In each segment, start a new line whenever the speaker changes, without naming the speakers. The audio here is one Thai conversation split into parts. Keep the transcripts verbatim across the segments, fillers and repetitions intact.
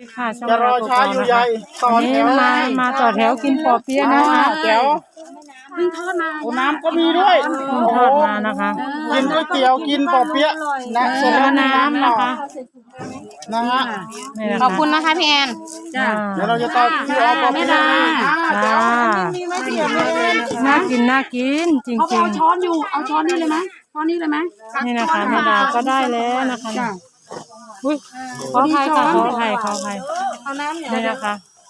ค่ะ
จะรอช้าอยู่ใหญ่ต่อแถว
มามาต่อแถวกินปอเปี๊ยะนะคะ
แถว
เพิ่งทอดมา
โอ้น้ำก็มีด้วย
เพิ่งทอดมานะคะ
กินก๋วยเตี๋ยวกินปอเปี๊ยะนะส่วน
แล้ว
น้ำ
น้ำนะคะ
นะฮะ
นี่นะ
ขอบคุณนะคะพี่แอน
จ้า
เดี๋ยวเราจะต่อคิวเอาปอเปี๊ยะ
จ้าน่ากินน่ากินจริง
เขา
จริ
เอา
ง
ช้อนอยู่เอาช้อนนี่เลยไหมช้อนนี่เลยไหม
นี่นะคะแม่ดาก็ได้แล้วนะคะนี่อุ้ยขออภัยค่ะขออภัยขออภัย
เอาน้ำเนี่ย
นี่นะคะ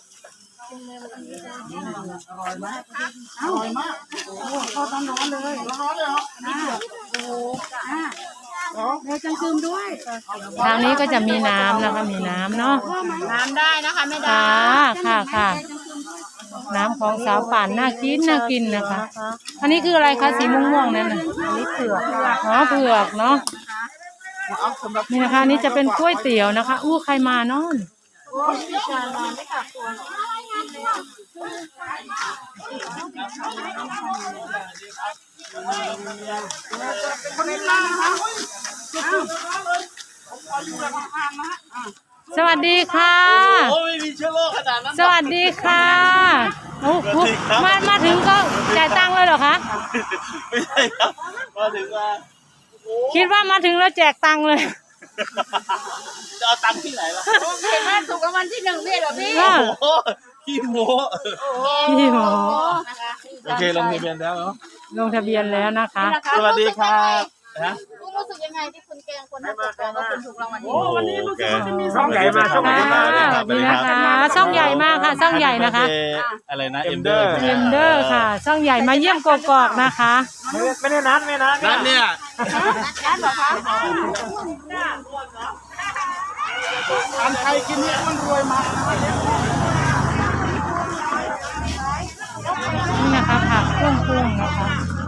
เอาทอดร้อนๆเลย
ร้อนเลยเหรอ
อ่าเดี๋ยวจังคืมด้วย
ทางนี้ก็จะมีน้ำนะคะมีน้ำเนาะ
น้ำได้นะคะไม่ได้
ค่ะค่ะค่ะน้ำของสาวป่านน่ากินน่ากินนะคะ อันนี้คืออะไรคะสีม่วงๆนั่นน่ะอันนี้เผือกอ๋อเผือกเนาะนี่นะคะอันนี้จะเป็นก๋วยเตี๋ยวนะคะอู้ใครมาเนาะ
คนนี้มาฮะ
สวัสดีค่ะ
โอ้ไม่มีเชื้อโรคขนาดนั้น
สวัสดีค่ะโอ้โหมามาถึงก็จ่ายตังค์เลยเหรอคะ
ไม่ใช่ครับมาถึงว่า
คิดว่ามาถึงแล้วแจกตังค์เลย
จะเอาตังค์ที่ไหนล่ะ
เห็นไหมถูกรางวัลที่หนึ่งพี่เหรอพี่
เออ
โอ้ขี้โม้
พี่หมอ
โอเคลงทะเบียนแล้วเนาะ
ลงทะเบียนแล้วนะคะ
สวัสดีครับนะ
คุณรู้สึกยังไงที่คุณแกงคนนั้นบอกว่าคุณถูกรางวัลที่
โอ้วันนี้รู้สึกว่าจะมี
ช่องใหญ่มาช่องใหญ่
ค่ะ
มา
สวัสดีนะคะช่องใหญ่มากค่ะช่องใหญ่นะคะ
อะไรนะเอ็มเดอร์
เอ็มเดอร์ค่ะช่องใหญ่มาเยี่ยมกอกๆนะคะ
ไม่ได้นัดไม่นัด
นั่นเนี่ย
ร้านเหรอคะ
อันไทยกินเนี่ยมันรวยมา
นี่นะคะผักเครื่องปรุงนะคะ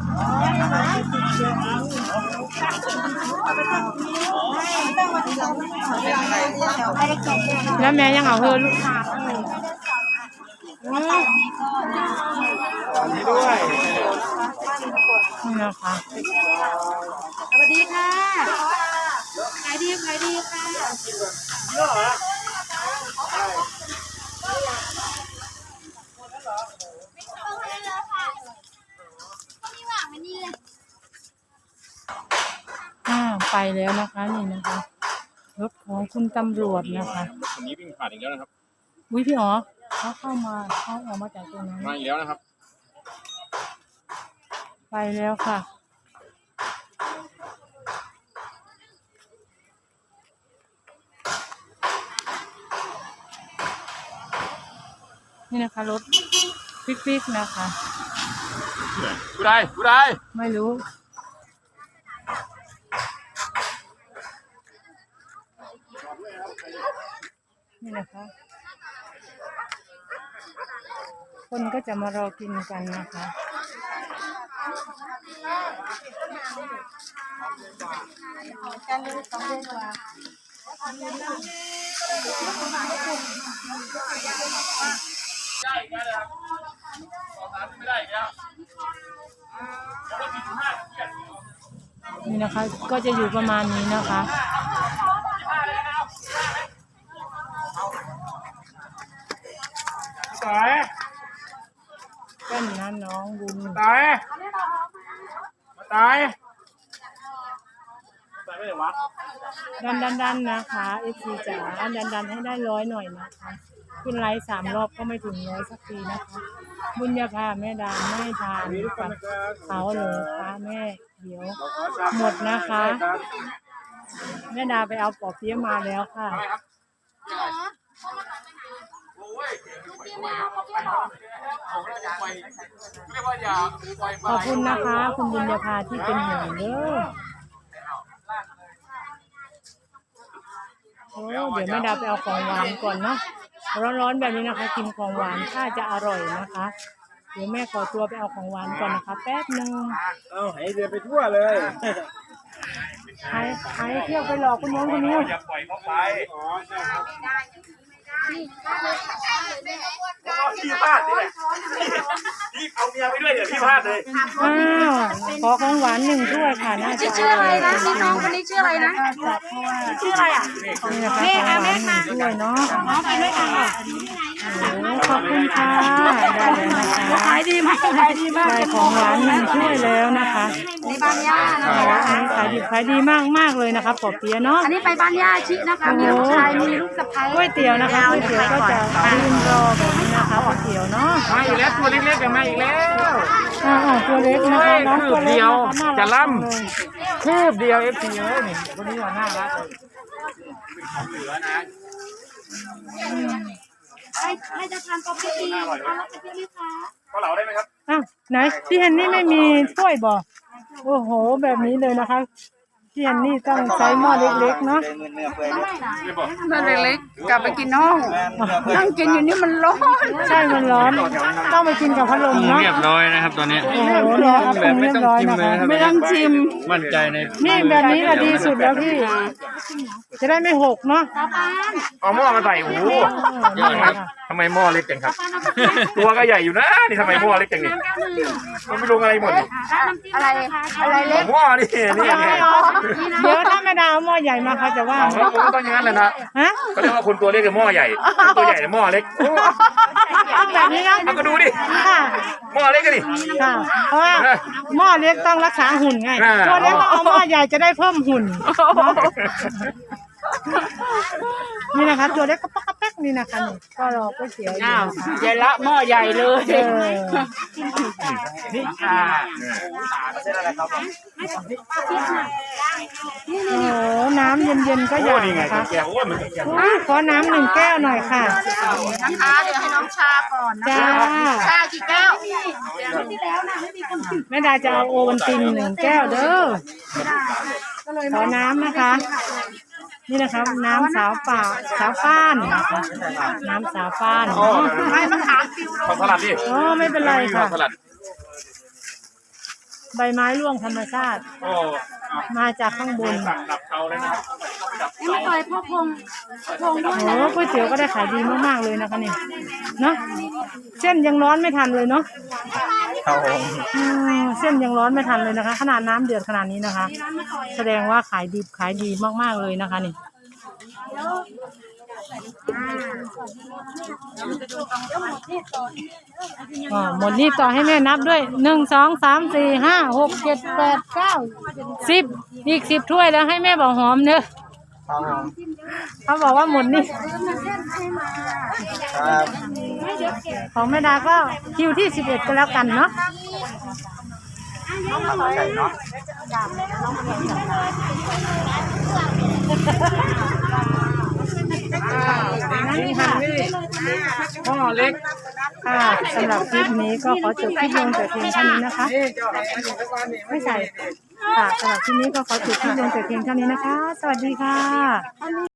แล้วแม่ยังเอาเฮอลูกค้า
นี่ด้วย
นี่นะคะ
สวัสดีค่ะขายดีขายดีค่ะ
อ่าไปแล้วนะคะนี่นะคะรถของคุณตำรวจนะคะ
คนนี้วิ่งผ่านอีกแล้วนะครับ
วิพี่อ๋อเขาเข้ามาเขาออกมาจากตรงนั้น
มาอีกแล้วนะครับ
ไปแล้วค่ะนี่นะคะรถปิ๊กๆนะคะ
กูได้กูได้
ไม่รู้นี่นะคะคนก็จะมารอกินกันนะคะนี่นะคะก็จะอยู่ประมาณนี้นะคะ
ตาย
เป็นนะน้องบุญ
ตายตาย
ดันดันดันนะคะเอฟซีจ๋าดันดันให้ได้ร้อยหน่อยนะคะขึ้นไลฟ์สามรอบก็ไม่ถึงร้อยสักทีนะคะบุญญาภาแม่ดาไม่ทานกับเขาเลยค่ะแม่เดี๋ยวหมดนะคะแม่ดาไปเอาปอเปี๊ยะมาแล้วค่ะขอบคุณนะคะคุณบุญญาภาที่เป็นห่วงเด้อโอ้เดี๋ยวแม่ดาไปเอาของหวานก่อนเนาะร้อนๆแบบนี้นะคะกินของหวานถ้าจะอร่อยนะคะเดี๋ยวแม่ขอตัวไปเอาของหวานก่อนนะคะแป๊บหนึ่ง
เอาให้เดินไปทั่วเลย
ใครใครเที่ยวไปหลอกคุณน้องคนนี้
อย่าปล่อยเขาไป
อ๋อใช่ครับ
ที่บ้านนี่แหละที่เอาเมียยังไม่ด้วยเดี๋ยวพี่พลาดเลย
อ้าวขอของหวานหนึ่งถ้วยค่ะน่าจะ
ชื่ออะไรนะพี่น้องคนนี้ชื่ออะไรนะชื่ออะไรอ่ะ
นี่นะคะของหวานหนึ่งถ้วยเนาะ
น้องกินด้วยกันเหรอ
โอ้ขอบคุณค่ะได้เลยนะคะ
ขายดีมากขายดีมาก
ได้ของหวานหนึ่งถ้วยแล้วนะคะ
ในบ้านย่านะ
อั
คะ
นนี้ขายดีขายดีมากมากเลยนะคะปอเปียะเนาะ
อันนี้ไปบ้านย่าชินะคะมีลูกชายมีลูกสะใภ้
ก๋วยเตี๋ยวนะคะก๋วยเตี๋ยวก็จะยืนรอแบบนี้นะคะก๋วยเตี๋ยวเนาะ
มาอีกแล้วตัวเล็กๆกันมาอีกแล้ว
อ่าตัวเล็กนะคะน้องตัวเล็ก
เดียว
นะคะน่ารัก
จะล่ำ
มากเลย
คืบเดียวเอฟซีเลยนี่คนนี้ว่าน่ารักเลย
ให้ให้จะทานกาแฟดีเอาแล้วจะเป็นไหมคะ
ก็เหลาได้ไหมครับ
อ้าวไหนพี่เฮนนี่ไม่มีถ้วยบ่โอ้โหแบบนี้เลยนะคะพี่เฮนนี่ต้องใช้หม้อเล็กๆเนาะ
นั่นเล็กๆกลับไปกินห้องนั่งกินอยู่นี่มันร้อน
ใช่มันร้อนต้องไปกินกับพัดลมเนาะ
เรียบร้อยนะครับตอนนี้
โอ้โหเนี่ยครับปรุงเรียบร้อยนะคะ
ไม่ต้องชิม
มั่นใจใน
นี่แบบนี้แหละดีสุดแล้วพี่ จะได้ไม่หกเนาะ
ตาปาน
เอาหม้อมาใส่โอ้โหเยอะครับทำไมหม้อเล็กจังครับ ตัวก็ใหญ่อยู่นะนี่ทำไมหม้อเล็กจังนี่มันไม่ลงอะไรหมดนี่
อะไรอะไรเล็ก
หม้อนี่นี่ไง
เดี๋ยวถ้าไม่ดาวหม้อใหญ่มาเขาจะว่า
เอาแล้วผมก็ต้องอย่างนั้นแหละนะ
ฮะ
เขาเรียกว่าคนตัวเล็กกับหม้อใหญ่คนตัวใหญ่กับหม้อเล็ก
ต้องแบบนี้นะ
เอาก็ดูดิ
ค่ะ
หม้อเล็กกันดิ
ค่ะเพราะว่าหม้อเล็กต้องรักษาหุ่นไง
อ่า
ตัวเล็กต้องเอาหม้อใหญ่จะได้เพิ่มหุ่นเนาะนี่นะคะ ตัวเล็กก็ป๊อกกระแป๊กนี่นะคะนี่ก็รอก๋วยเตี๋ยวอยู่นะคะ
ใหญ่ละหม้อใหญ่เลย
เออ
นี่อ่า
โอ้โหน้ำเย็นๆก็อ
โอ้
ยาก
นี่ไง
นะคะ
แกโอ้ยมันแก
อุ๊ยขอน้ำหนึ่งแก้วหน่อยค่ะ
นะคะเดี๋ยวให้น้องชาก่อนนะ
จ้า
ชากี่แก้วที่แล้วนะไม่มีคนผิด
แม่ดาจะเอาโอวัลตินหนึ่งแก้วเด้อขอน้ำนะคะ นี่นะครับ น้ำสาวป่าสาวฟ้านนะคะน้ำสาวฟ้าน
โอ้
ไม่มะขามฟิว
ขอสลัดดิ
อ๋อไม่เป็นไรค่ะ
สลัด
ใบไม้ร่วงธรรมชาติ
โอ้
มาจากข้างบน
ดับเตาเลยนะครับ
นี่ไม่เคยพ่อพงพ่อพงด้วย
โอ้ก๋วยเตี๋ยวก็ได้ขายดีมากๆเลยนะคะนี่เนาะเส้นยังร้อนไม่ทันเลยเนาะ
ครับผม
อืมเส้นยังร้อนไม่ทันเลยนะคะ ขนาดน้ำเดือดขนาดนี้นะคะ แสดงว่าขายดีขายดีมากๆเลยนะคะนี่อ่าหมดนี่ต่อให้แม่นับด้วยหนึ่งสองสามสี่ห้าหกเจ็ดแปดเก้าสิบอีกสิบถ้วยแล้วให้แม่บอกหอมเนอะเขาบอกว่าหมดนี่
ครับ
ของแม่ดาก็คิวที่สิบเอ็ดก็แล้วกันเนาะ
ใส่เนาะ
นี่ค่ะ
หม้อเล็ก
ค่ะสำหรับคลิปนี้ก็ขอจบคลิปลงแต่เพียงเท่านี้นะคะ
นี่เจ้าของนี่ทุกวันนี่
ไม่ใส่ค่ะสำหรับคลิปนี้ก็ขอจบคลิปลงแต่เพียงเท่านี้นะคะ สวัสดีค่ะ